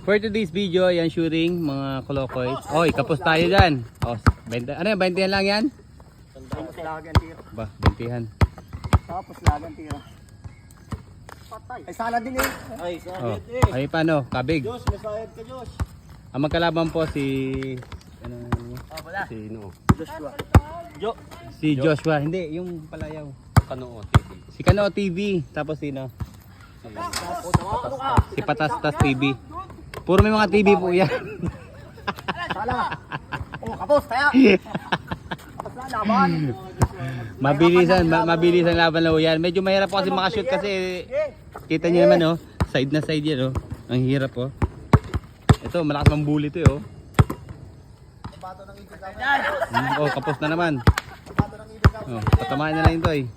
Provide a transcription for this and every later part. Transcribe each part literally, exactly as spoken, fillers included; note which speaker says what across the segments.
Speaker 1: For today's video, yan shooting mga kolokoy. Oy, kapos tayo dyan. Oh, twenty, ano yan, twenty lang yan?
Speaker 2: Tapos lagan tira.
Speaker 1: Ba, twenty-han.
Speaker 2: Tapos lagan tira. Patay. Ay sala din eh. Ay sala
Speaker 1: Oh,
Speaker 2: din eh.
Speaker 1: ay paano? Kabig.
Speaker 2: Diyos, masayad ka Diyos.
Speaker 1: Ang magkalaban po si... Ano?
Speaker 2: Ah, wala.
Speaker 1: Si no.
Speaker 2: Joshua. Jo.
Speaker 1: Si Joshua. Hindi, yung palayaw.
Speaker 3: Kanoo T V.
Speaker 1: Si Kanoo T V. Tapos sino? Si Patastas T V. Puro may mga T V po yan.
Speaker 2: Sala. Oh, kapos kaya. Kapos na laban.
Speaker 1: Mabilisan, ma mabilis ang laban na yan. Medyo mahirap po kasi makashoot kasi kita niyo naman oh, side na side yan oh. Ang hirap oh. Ito, malakas mang bully to eh oh. Mm, oh, kapos na naman. Oh, patamaan na lang ito eh.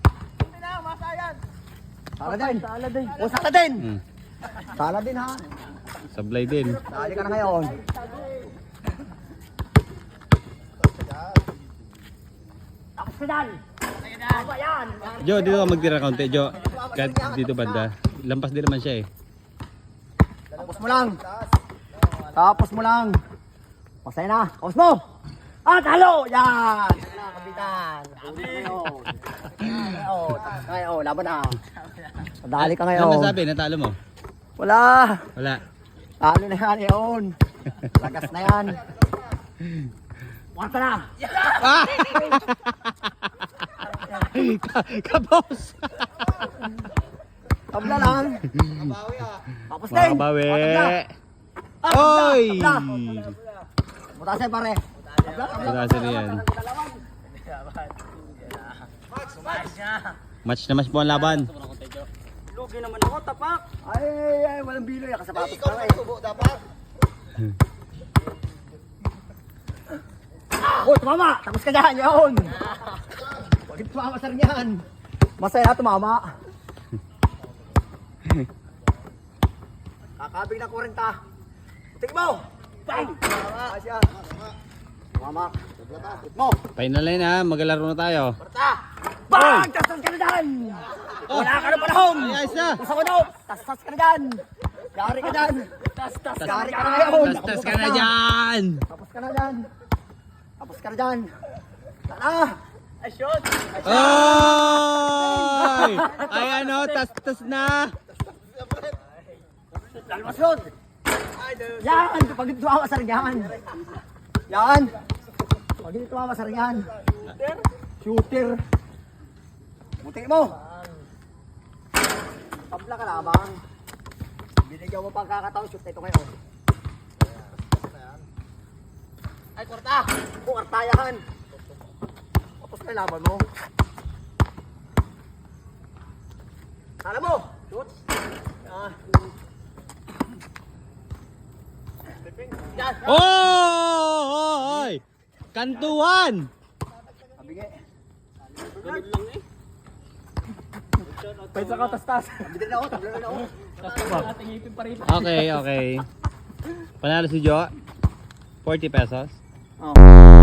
Speaker 2: Sala din. Sala din. Oh, sala din.
Speaker 1: Mm,
Speaker 2: Sala din ha.
Speaker 1: sablay din.
Speaker 2: Dali ka na ngayon. Tapos ka dyan. Tama yan.
Speaker 1: Jo, dito ka magtira kaunti, Jo. Kahit dito banda. Lampas din naman siya eh.
Speaker 2: Tapos mo lang. Tapos mo lang. Pasay na. Tapos mo. Ah, talo! Yan! Yan na, kapitan. Ngayon. Ngayon. Tapos na ngayon. Laban na. Dali ka
Speaker 1: Ano
Speaker 2: ngayon.
Speaker 1: masabi? Natalo mo?
Speaker 2: Wala.
Speaker 1: Wala.
Speaker 2: Talo na yan ngayon. Lagas na yan. Wanta na.
Speaker 1: Ah! Kapos!
Speaker 2: Tabla lang. Tapos din.
Speaker 1: Makabawi!
Speaker 2: Oh, tabla. Ah,
Speaker 1: Oy!
Speaker 2: tabla. Mutasin pare. Tabla, tabla.
Speaker 1: Mutasin na yan. Match na match po ang laban.
Speaker 2: Lugi naman ako, tapak. Ay, ay, ay, walang bilo yan. Kasapatos ka eh. Ikaw dapat. Oh, tumama. Tapos ka dyan, yun. Huwag yung tumama sa rin yan. Masaya tumama. Kakabig na kurenta. Putik mo. Bang! Asya. Tumama. Putik mo.
Speaker 1: Final line ha, maglalaro na tayo.
Speaker 2: Kurenta. Bang! Tastas ka na dyan. Wala ka na panahon.
Speaker 1: Ay, ayos na.
Speaker 2: Gusto ko daw. Tastas ka na dyan. Yari ka dyan. Tastas. Yari ka na ngayon.
Speaker 1: Tastas ka na dyan!
Speaker 2: Tapos ka na dyan. Tapos ka na dyan. Tara. Ay, shoot.
Speaker 1: Oy! Ay ano, tas-tas na!
Speaker 2: Lalmas yun. Yan. Pag dito tumama sa rin yan. Yan. Pag dito tumama sa rin yan. Shooter. Shooter. Buti mo. Tabla ka lamang. Binigyan mo pang kakataon. Shoot na ito ngayon. Ay, kwarta. O, kwartayahan. Tapos na laban mo. Kala mo. Shoot. Ah. Yan.
Speaker 1: Oh! Oy! Kantuan!
Speaker 2: Kabige.
Speaker 3: Ganun lang eh.
Speaker 2: Pwede ka tastas. Kabige na ako. Tabla na ako.
Speaker 1: Okay, okay. Panalo si Jo. forty pesos.
Speaker 2: Oh.